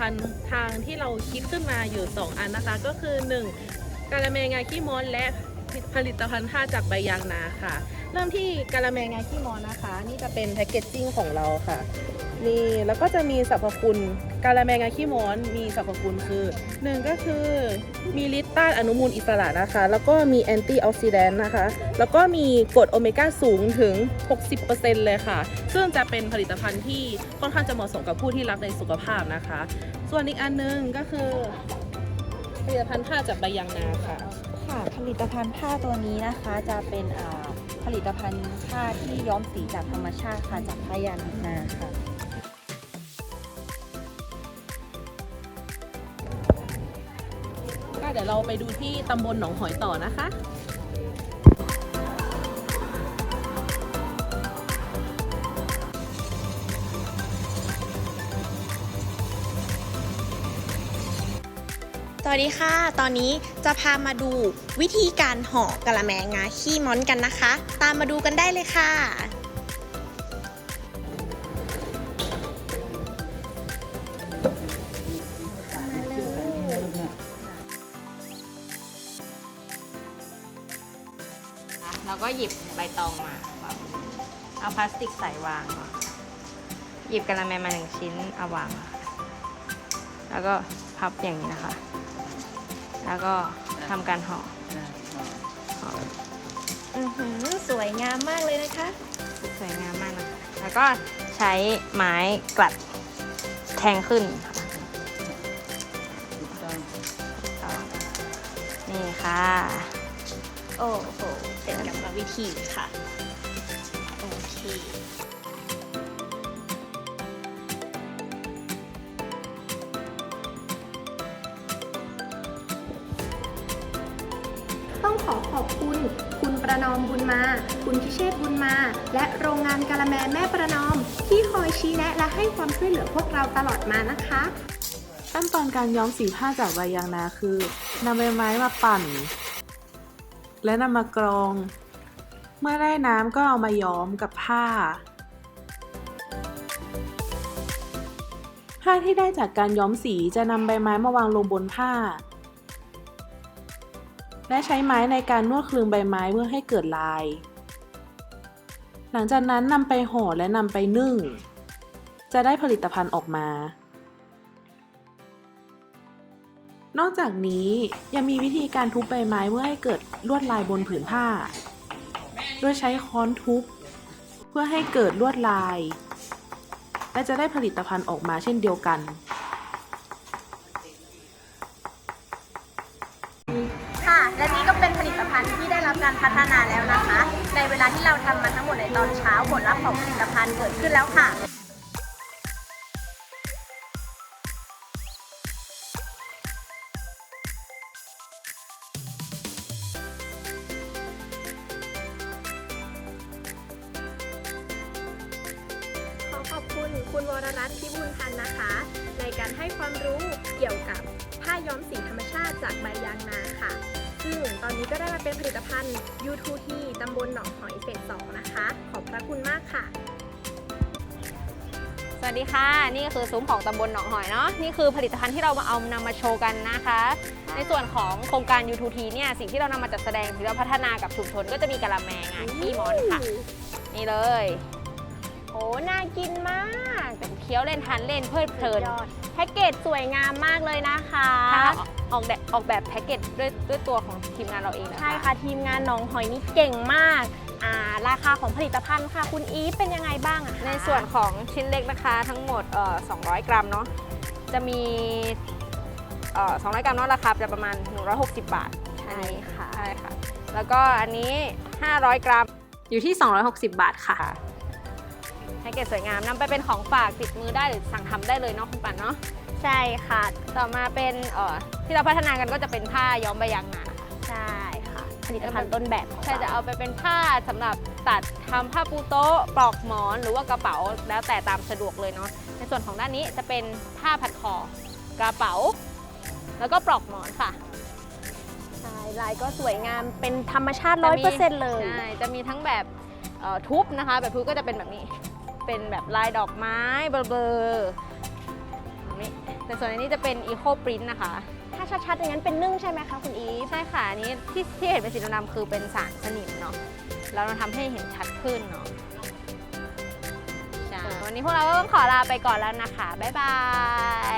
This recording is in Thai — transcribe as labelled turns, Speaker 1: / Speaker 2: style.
Speaker 1: ภัณฑ์ทางที่เราคิดขึ้นมาอยู่2อันนะคะก็คือ1กาละแมงาขี้ม้อนและผลิตภัณฑ์ผ้าจากใบยางนาค่ะเริ่มที่กาละแมงาขี้ม้อนนะคะนี่จะเป็นแพคเกจจิ้งของเราค่ะนี่แล้วก็จะมีสรรพคุณกาละแมงาขี้ม้อนมีสรรพคุณคือ1ก็คือมีฤทธิ์ต้านอนุมูลอิสระนะคะแล้วก็มีแอนตี้ออกซิแดนต์นะคะแล้วก็มีกรดโอเมก้าสูงถึง 60% เลยค่ะซึ่งจะเป็นผลิตภัณฑ์ที่ค่อนข้างจะเหมาะสมกับผู้ที่รักในสุขภาพนะคะส่วนอีกอันนึงก็คือผลิตภัณฑ์ผ้าจากใบยางนาค่ะ
Speaker 2: ค่ะผลิตภัณฑ์ผ้าตัวนี้นะคะจะเป็นผลิตภัณฑ์ผ้าที่ย้อมสีจากธรรมชาติค่ะจากผ้ายางนาค่ะ
Speaker 1: ก็เดี๋ยวเราไปดูที่ตำบลหนองหอยต่อนะคะ
Speaker 3: สวัสดีค่ะ ตอนนี้จะพามาดูวิธีการห่อกะละแมงาขี้ม้อนกันนะคะ ตามมาดูกันได้เลยค่ะ
Speaker 4: เราก็หยิบใบตองมาเอาพลาสติกใส่วาง หยิบกะละแมมา1ชิ้นเอาวาง แล้วก็พับอย่างนี้นะคะ แล้วก็ทำการห่อ
Speaker 3: สวยงามมากเลยนะคะ
Speaker 4: สวยงามมากนะคะแล้วก็ใช้ไม้กลัดแทงขึ้นค่ะนี่ค่ะ
Speaker 3: โอ้โหเป็นกรรมวิธีค่ะ โอเค
Speaker 5: ต้องขอขอบคุณ คุณประนอมบุญมา คุณพิเชษฐ์บุญมา และโรงงานกะละแมแม่ประนอม ที่คอยชี้แนะและให้ความช่วยเหลือพวกเราตลอดมานะคะ
Speaker 1: ขั้นตอนการย้อมสีผ้าจากใบยางนาคือนำใบไม้มาปั่น และนำมากรอง เมื่อได้น้ำก็เอามาย้อมกับผ้า ผ้าที่ได้จากการย้อมสีจะนำใบไม้มาวางลงบนผ้า และใช้ไม้ในการนวดคลึงใบไม้เพื่อให้เกิดลาย หลังจากนั้นนำไปห่อและนำไปนึ่ง จะได้ผลิตภัณฑ์ออกมา นอกจากนี้ยังมีวิธีการทุบใบไม้เพื่อให้เกิดลวดลายบนผืนผ้า โดยใช้ค้อนทุบเพื่อให้เกิดลวดลาย และจะได้ผลิตภัณฑ์ออกมาเช่นเดียวกัน
Speaker 3: ค่ะ และนี่ก็เป็นผลิตภัณฑ์ที่ได้รับการพัฒนาแล้วนะคะ ในเวลาที่เราทำมาทั้งหมดในตอนเช้าผลลัพธ์ของผลิตภัณฑ์เกิดขึ้นแล้วค่ะ
Speaker 5: ขอขอบคุณคุณวรรัตน์พิบูลพันธ์นะคะ ในการให้ความรู้เกี่ยวกับผ้าย้อมสีธรรมชาติจากใบยางนาค่ะ ซึ่งตอนนี้ก็ได้มาเป็นผลิตภัณฑ์ U2T ตำบลหนองหอยเฟส 2 นะคะ ขอบพระคุณมากค่ะ
Speaker 4: สวัสดีค่ะ นี่ก็คือซุ้มของตำบลหนองหอยเนาะนี่คือผลิตภัณฑ์ที่เรานำมาโชว์กันนะคะ ในส่วนของโครงการ U2T เนี่ยสิ่งที่เรานำมาจัดแสดงที่เราพัฒนากับชุมชนก็จะมีกะละแมงาขี้ม้อนค่ะ นี่เลยโอ้น่ากินมากแต่เคี้ยวเล่นทานเล่นเพลิดเพลินแพ็กเกจสวยงามมากเลยนะคะออกแบบแพ็กเกจด้วยตัวของทีมงานเราเองนะคะ
Speaker 3: ใช่ค่ะ ทีมงานหนองหอยนี่เก่งมาก ราคาของผลิตภัณฑ์ค่ะ คุณอีฟเป็นยังไงบ้างอะคะ
Speaker 4: ในส่วนของชิ้นเล็กนะคะทั้งหมด200 กรัมเนาะจะมี200 กรัมเนาะราคาจะประมาณ160 บาท
Speaker 3: ใช่ค่ะ
Speaker 4: ใช่ค่ะแล้วก็อันนี้500 กรัมอยู่ที่260 บาทค่ะแพ็กเกจสวยงามนำไปเป็นของฝากติดมือได้หรือสั่งทำได้เลยเนาะคุณปันเนาะ
Speaker 3: ใช่ค่ะ
Speaker 4: ต่อมาเป็นที่เราพัฒนากันก็จะเป็นผ้าย้อมใบยางนาค่ะ
Speaker 3: ใช่ค่ะ ผลิตภัณฑ์ต้นแบบของ
Speaker 4: ใช่จะ
Speaker 3: เรา
Speaker 4: เอาไปเป็นผ้าสำหรับตัดทำผ้าปูโต๊ะปลอกหมอนหรือว่ากระเป๋าแล้วแต่ตามสะดวกเลยเนาะในส่วนของด้านนี้จะเป็นผ้าพัดคอกระเป๋า แล้วก็ปลอกหมอนค่ะ
Speaker 3: ใช่ลายก็สวยงามเป็นธรรมชาติ 100% เลย
Speaker 4: ใช่จะมีทั้งแบบทุบนะคะแบบทุบก็จะเป็นแบบนี้เป็นแบบลายดอกไม้เบลอๆแบบนี้แต่ส่วนอันนี้จะเป็น Eco Print นะคะ
Speaker 3: ถ้าชัดๆอย่างนั้นเป็นนึ่งใช่ไหมคะคุณอีฟ
Speaker 4: ใช่ค่ะ อันนี้ที่เห็นเป็นสีดำๆคือเป็นสารสนิมเนาะแล้วเราทำให้เห็นชัดขึ้นเนาะใช่วันนี้พวกเราก็ต้องขอลาไปก่อนแล้วนะคะ บ๊ายบาย